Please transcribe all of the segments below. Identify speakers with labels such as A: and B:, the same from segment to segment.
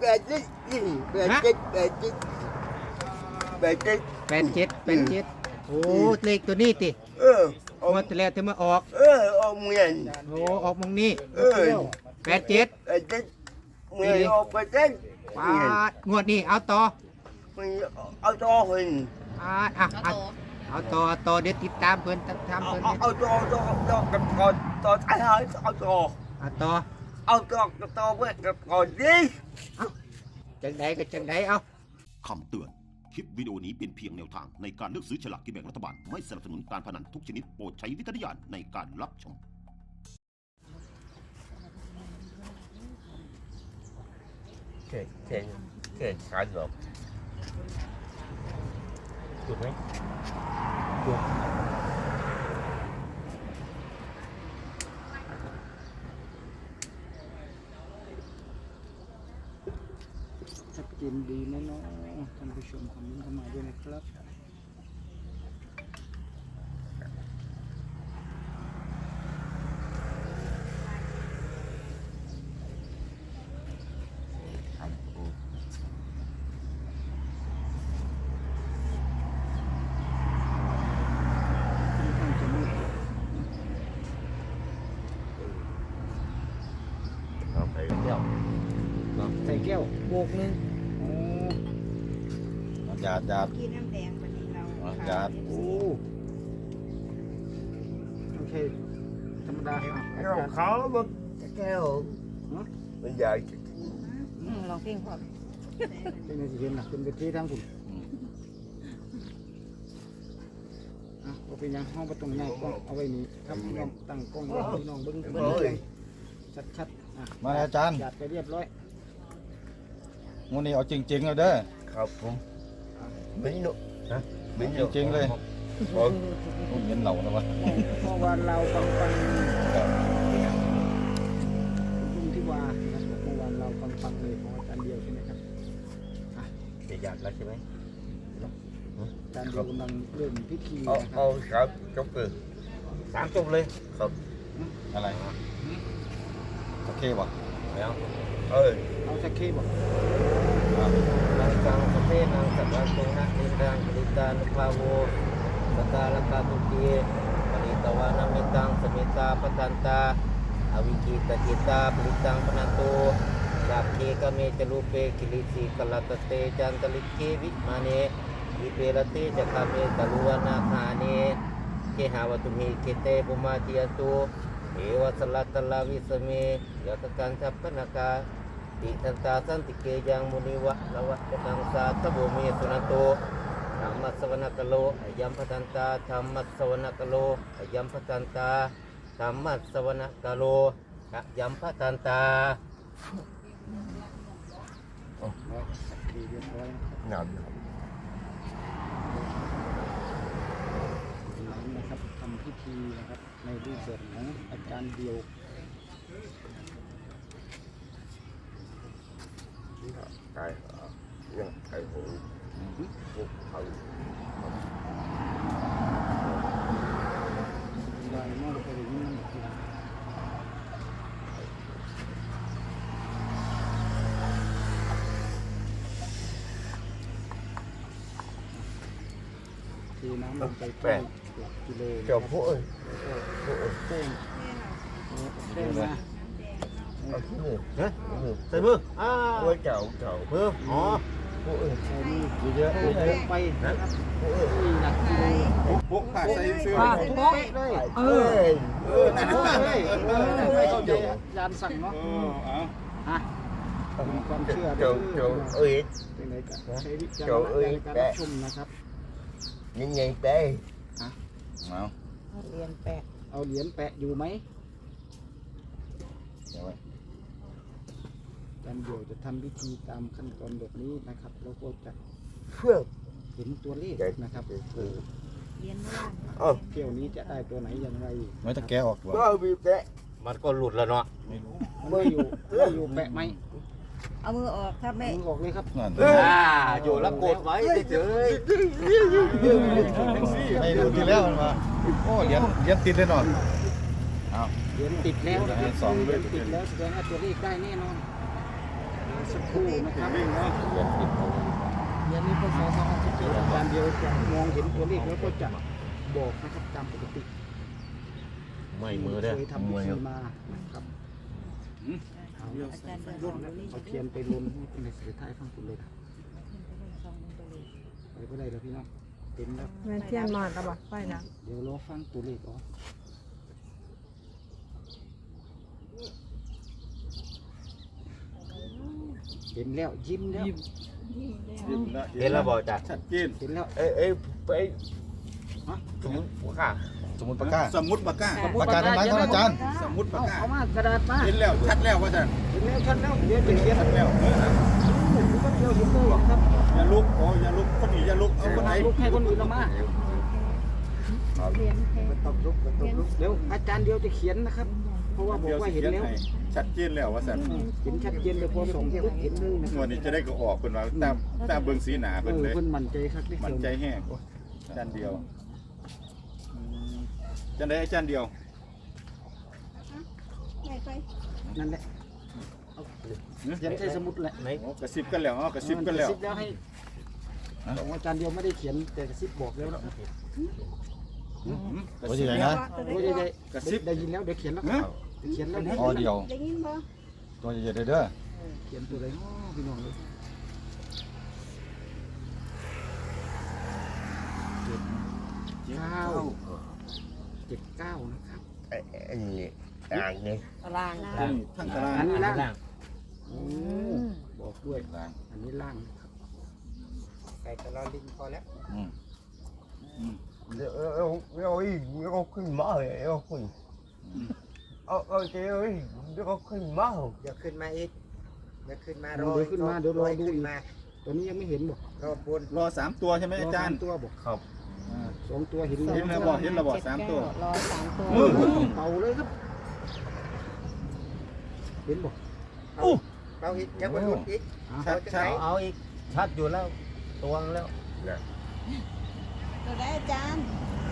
A: 87โอ้เลขตัวนี้ติงวดที่แล้วที่มาออก
B: ออกเมียน
A: โอ้ออกมงนี้87
B: เมียนออกไปเจ็ด
A: ปาดงวดนี้เอาต่อ
B: เอาตัวหิน
A: เอาต่อเดี๋ยวติดตามเพิ่นทำเพิ่น
B: เอาตัวกับตัวท้ายเอาตัวเพื่อนกับก่อนดิ
A: จังใดก็จังใดเอา
C: คำเตือนคลิปวิดีโอนี้เป็นเพียงแนวทางในการเลือกซื้อฉลากกินแบ่งรัฐบาลไม่สนับสนุนการพนันทุกชนิดโปรดใช้วิจารณญาณในการรับชม
B: เก่งขาดหรอกจุดไหมจุด
A: ชัดเจนดีแน่นอนท่านผู้ชมคอมเมนต์เข้ามาด้วยนะครับใส่แก้วโบกนึง
D: หยาด
E: กินน้ำแดงวันนี้เรา
D: หยาด
A: โอเคธรรมดา
B: แก้วเขาแบบแก้วมันใหญ่
E: ลองเพลงพอ
A: เป็นในสิเห็นนะเป็นเวทีทางคุณเอาเป็นยังห้องประตูใหญ่กล้องเอาไว้นี่ครับพี่น้องตั้งกล้องไว้พี่น้องเบิ้งชัด
D: มาอาจารย์
A: หยาดไปเรียบร้อย
D: งูนี่เอาจริงๆเลยเด้อ
B: ครับผมมิ้นหนุนะมิ้น
D: จริงๆเลยผมเห็นเหล่านะวะ
A: เมื่อวานเราฟังลุงที่วานะครับเมื่อวานเราฟังเลยของอาจารย์เดียวใช่ไหมครับ
B: จะหยาดแล้วใช่ไหม
A: อาจารย์เดียวกำลังเริ่มพิธี
B: เอาครับจบเลย3 จบเลยครับ
D: อะไรโอเคป่ะ
B: แล้ว
A: เอาสักเคบอก
B: นางสังสเปนางสัตว์ตรงนักนิรังกฤตานุภาโวสตาลกาตุกีปณิตวานามิตังสมิตาปตันตาอวิกิตจิตาปริตังปนันโตสัพเพกเมจลูเปกิลิสีกลตเตจันตลิเกวิมาเนอิเปรเตจักเมตลุวนาคาเนเกหาวตุมิเกเตปุมาติยตุเอวสลัตตลาวิสเมยตกันทัพพนากาติทันตาสันติเกยังมุนิวะละวะตังสาตบุเมสุนันโตธรรมสวนกโลอยัมพทันตาธรรมสวนกโลอยัมพทันตาธรรมสวนกโลอยัมพทันตาหนาว
A: นะครับทำพิธีนะครับในรูปแบบของอาจารย์เดียว
B: ไก่ยังไก่หูบุกเขา
A: ได้มากไปเลยนี่มันทีน้ำลงไปกิโล
B: เจ้าพวก
A: เต้งมา
B: เอาที่มือนะใส่มือเจ้ามืออ๋อพวก
A: ใส่มือเยอะไปนะครับหนักกิโล
D: พวกใส่เสื้อ
A: ทุกเป๊ะเลยทุกเลยไม่เข้าใจยานสั่งเนาะความเชื่อ
B: เจ้า
A: เป็นไรกันใช้วิจารณญาณในการรับชมนะครับ
B: ยังไงเต้
A: เอาเหรียญแปะอยู่ไหมการเดี๋ยวจะทำพิธีตามขั้นตอนแบบนี้นะครับแล้วก็จะเห็นตัวเลขนะครับ
E: เหรียญ
A: เที่ยวนี้จะได้ตัวไหนอย่างไร
D: ไม่จะแกะออกหรอ
B: มันก็หลุดแล้วเนาะ
A: ไม่อยู่แปะไหม
E: เอามือออกครับแม่
A: มือออกเลยครับ
B: อยู่แล้วกดไว้เฉย
D: ไม่ดูทีแล้วมันมาโอ้เหรียญติดแน่นอน
A: เหรียญติดแล้วแสดงว่าตัวเลขได้แน่นอนสักครู่นะครับ
D: วิ่งเนาะ
B: เรียนผิดเอา
A: เดือนนี้พศ2017อาจารย์เดียวจะมองเห็นตัวเลขแล้วก็จะบอกนะครับตามปกติ
B: ไม่มือเด้อ
A: เคยทำพิธีมานะครับเอา
E: อาจารย์เดินสองตัวนี้
A: เอาเทียนไปลนให้เป็นในสุดท้ายฟังคุณเลยครับไปก็ได้แล้วพี่น้องเต็มแล้ว
F: แม่เทียนมาแล้วบ่ไปนะ
A: เดี๋ยวรอฟังตัวเลขอ๋อเห็นแล้วยิ้มแล้ว
D: ยิ้มแล้ว
B: เห็นแล้วบอกจ้ะ
D: ชัดเจน
A: เห็นแล้ว
B: เอ้ยไปสมมติว่า
D: สมุดปากกาสมุดปากกา
A: ปากกาได้ไหมครับอาจารย์
D: สมุดปากกา
A: เอามากระดาษมา
D: เห็นแล้วชัดแล้วว่าท่าน
A: เห็นแล้วชัดแล้วเดี๋ยวจะเขียน
D: ชัดแล้ว
A: ผมก็เดียวเห็นเลยนะครับ
D: อย่าลุกโอ้อย่าลุกคนนี้อย่าลุกเอาคนไหน
A: ลุกให้คนอื่นละมา
E: เรียนแค่
A: ตบลุกเดี๋ยวอาจารย์เดียวจะเขียนนะครับ เพราะว่าบอก
D: เดี๋ยว
A: ว่า
D: สิ
A: เห็น
D: เขียน
A: แล้ว
D: ให้ชัดเจนแล้วว่าท่าน
A: เห็นชัดเจนเลยพอส่งปุ๊บเห็นเลยนะค
D: ง
A: รั
D: ว
A: บ
D: ดนี้จะได้ก็ออกเพิ่นว่าตามเบิ่งสีหน้าเพิ่นเลย
A: เพิ่นมั่นใจครับที่
D: มันใจแห้งจานเดียวจันได้จานเดียว
A: นั่นแหละเขียนใส่สมุดแหละ
B: ไหน
D: โอ้กระซิบกันแล้วอ๋อกระซิบกันแล้ว
A: กระซิบแล้วให้บอกว่าอาจารย์เดียวไม่ได้เขียนแต่กระซิบบอกแล้วนะ
D: กระซิบนะ
A: โอ้ยได้
D: กระซิบ
A: ได้ยินแล้วเดี๋ยวเขียนแล้วเขียนแล้ว
G: อ๋อเดียว
E: ได้ยินบ่
G: ตัวใหญ่ๆเด้อ
A: เขียนตัวไหนพี่น้องเลย79นะครับ
B: อันนี้ต่างนี่
F: ตาราง
D: ทั้งตาราง
A: อันนี้ล่าง
B: ล่าง
A: โอ้บอกด้วยล่างอันนี้ล่างนะครับใส่ตลอดลิงพอแล้ว
H: เอาอีกแล้วก็ขึ้นมาเลยเอาขึ้นเอาเจ้าอีกแล้วก็ขึ้นมา
I: เดี๋ยวขึ้นมาอีกเดี๋ยวขึ้นมา
A: เดี๋ยวขึ้นมาเดี๋ยวรอดู
I: ขึ้น
A: อีก
I: มา
A: ตัวนี้ยังไม่เห็นบอก
I: รอบน
D: รอ3ตัวใช่ไหมอาจารย์
A: ตัวบอก
B: ครับ
A: 2 ตัวเห็น
D: เห็นแล้วบอกเห็นแล้วบอก3ตัว
F: รอ3ตัว
A: เป่าเลยครับเห็นบอก
I: เอาอีกยังบนรุนอีก
D: ชัดชัด
B: เอาอีกชัดอยู่แล้วตวงแล้ว
E: ตัวได้อาจารย์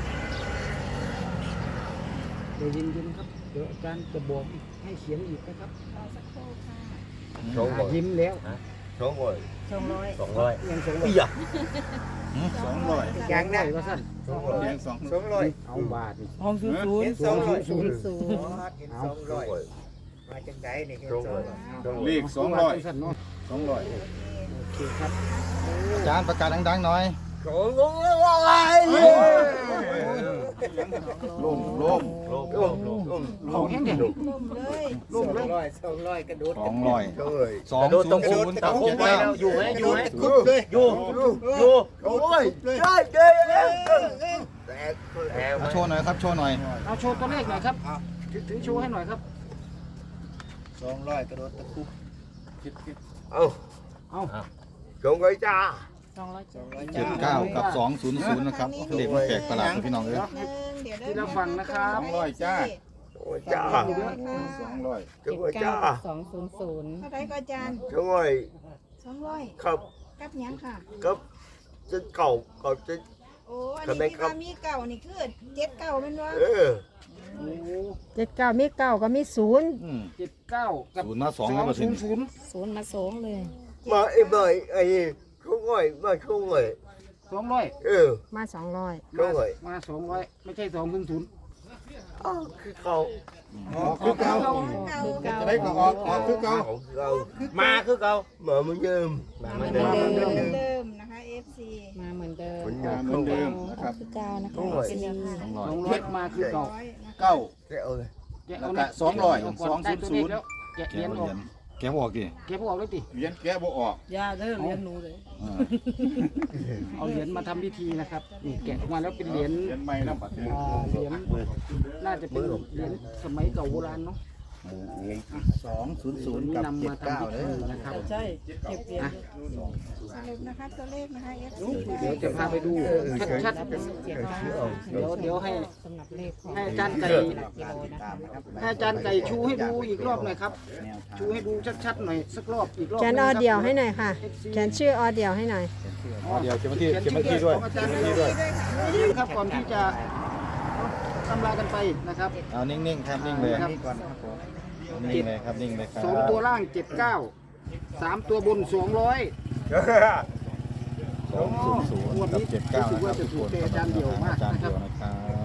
A: เดี๋ยวเย็นๆครับเดี๋ยวอาจารย์จะบอกอีกให้เขียนอีกนะครับ
E: รอสักครู่ค่ะ
A: ยิ้มแล้ว
H: 200
E: 200
B: 200
A: ยังสอง
B: อีหยะ
D: 200
I: อย่างนั้น
A: ก็สั้น
D: เลี้ยง
I: 200
A: เอาบาทนี่
F: ห้องศูนย์ศูน
I: เห็
F: ย์
I: น 200
F: ศูนย์
I: เห็น200มาจังไดนี่เห็น
D: 200เลข
A: สั้นเนาะ
D: 200 200
A: โอเคครับ
G: อาจารย์ประกาศดังๆหน่อย
D: ลง
A: เอาแห้งเด็ด
E: ล่มเลย
I: 200กระโดด
G: 200
B: กระโดดตะคุบตะคุบไว้แล้วอยู่ไหมอยู่ไหมอยู่อยู่
H: โอ้ยได้
B: แต่
G: เอาโชว์หน่อยครับโชว์หน่อย
A: เอาโชว์ตัวเลขหน่อยครับถือโชว์ให้หน่อยครับ
I: 200กระโดดตะคุบ
H: เอา
A: เอา
H: 200จ้า
G: 79 กับ 200 นะครับเลขมันแปลกประหลาดพี่น้องเอ้ย
E: เดี๋ยว
A: ที่เราฟังนะครับ
D: 200จ้า
H: โอ้ยจ้า
D: 200
H: 200จ้า
E: เท่าไรก็อาจารย์
H: 200
E: 200
H: ครับ
E: กับหยังค่ะ
H: ครับจะเก่าจะ
E: โอ้อันนี้ที่ว่ามีเก่านี่คือ7เก่าแม่นบ่
A: โอ้
F: 79มี9ก็มี0
A: 79กับ
G: 0 มา 2ครับ
A: 200
F: 0มา2เลย
H: มาไอ้200มา200
A: 200
F: มา200
H: 200
A: มา200ไม่ใช่200
H: อ้าวคือเก่า
D: คือเก่าจะได้ก็ออกคือเก่า
H: เก่า
B: มาคือเก่า
H: มาเหมือนเดิม
B: มาเหมือน
E: เดิ
B: เดิม
E: มเดิมนะคะ FC
F: มาเหมือนเดิม
H: เหมือน
D: เหมือนเดิมนะครับ
F: คือ9นะคะ
A: 200มาคือเก่า
D: เก้า
H: แกเอาเลย
A: แกะเอา
D: แล้วก็200
A: ได้ตัวเลขแล้วแกะ
G: แก
A: เหรียญออก
G: แกะบอกดิ
A: แกะพวกออกเลยติ
D: เหรียญแกะบ่ออก
F: อย่าเด้อเรียนหนูเลย
A: เอาเหรียญมาทำพิธีนะครับนี่แกะออกมาแล้วเป็นเหรียญ
D: เหรียญใหม่แล้วบัดนี้
A: เหรียญน่าจะเป็นเหรียญสมัยเก่าโบราณเนาะ
G: 200 กับ
A: นำมาทำพิธีนะครับ
F: ใช่เก็บเหรียญ
E: สรุปนะคะตัวเลขนะคะ FC
A: เดี๋ยวจะพาไปดูชัดๆเดี๋ยวให้
F: สำหรับเลขของ
A: ให้อาจารย์ไก่
F: กิโลนะคะ
A: ให้อาจารย์ไก่ชูให้ดูอีกรอบหน่อยครับ ชูให้ดูชัดๆหน่อยสักรอบอีกรอบ
F: แคนออเดียวให้หน่อยค่ะแคนชื่อออเดียวให้หน่อย
G: เดี๋ยวเขียนมาที่ด้วย
A: ของอาจารย์ไก่ด้วยครับก่อนที่จะตำลากันไปนะครับ
G: เอานิ่งๆครับนิ่งเลยนิ่งเลยครับนิ่งเลยครับ
A: 2 ตัวล่าง 79 3 ตัวบน 200
G: 200กับ79นะครับทุกคนกำลังจะทำอาจารย์เดียวนะครับ